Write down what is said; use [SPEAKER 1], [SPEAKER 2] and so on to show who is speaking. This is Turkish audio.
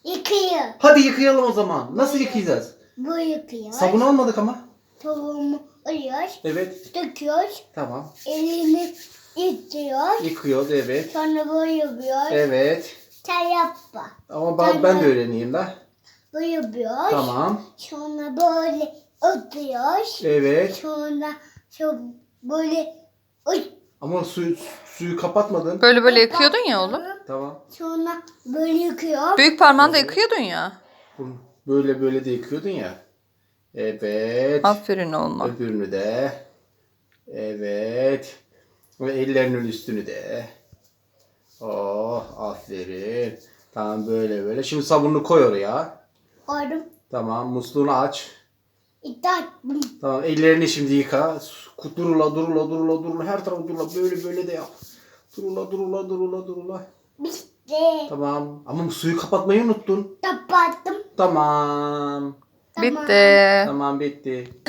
[SPEAKER 1] Yıkıyor.
[SPEAKER 2] Hadi yıkayalım o zaman. Nasıl yıkayacağız?
[SPEAKER 1] Bu yıkıyor.
[SPEAKER 2] Sabun almadık ama.
[SPEAKER 1] Tavuğumu alıyoruz.
[SPEAKER 2] Evet.
[SPEAKER 1] Döküyoruz.
[SPEAKER 2] Tamam.
[SPEAKER 1] Elini yıkıyoruz.
[SPEAKER 2] Yıkıyoruz evet.
[SPEAKER 1] Sonra böyle yapıyoruz.
[SPEAKER 2] Evet.
[SPEAKER 1] Sen yapma.
[SPEAKER 2] Ama ben de öğreneyim la.
[SPEAKER 1] Böyle yapıyoruz.
[SPEAKER 2] Tamam.
[SPEAKER 1] Sonra böyle oturuyoruz.
[SPEAKER 2] Evet.
[SPEAKER 1] Sonra böyle
[SPEAKER 2] Ama suyu kapatmadın.
[SPEAKER 3] Böyle böyle yıkıyordun ya oğlum.
[SPEAKER 2] Tamam.
[SPEAKER 1] Sonra böyle yıkıyor.
[SPEAKER 3] Büyük parmağını da yıkıyordun ya.
[SPEAKER 2] Böyle böyle de yıkıyordun ya. Evet.
[SPEAKER 3] Aferin oğluma.
[SPEAKER 2] Öbürünü de. Evet. Ve ellerinin üstünü de. Oh aferin. Tamam böyle böyle. Şimdi sabununu koy oraya.
[SPEAKER 1] Koydum.
[SPEAKER 2] Tamam musluğunu aç.
[SPEAKER 1] İddia.
[SPEAKER 2] Tamam ellerini şimdi yıka. Durula durula durula durula. Her tarafı durula. Böyle böyle de yap. Durula durula durula durula.
[SPEAKER 1] Bitti.
[SPEAKER 2] Tamam. Ama suyu kapatmayı unuttun.
[SPEAKER 1] Kapattım.
[SPEAKER 2] Tamam.
[SPEAKER 3] Bitti.
[SPEAKER 2] Tamam bitti.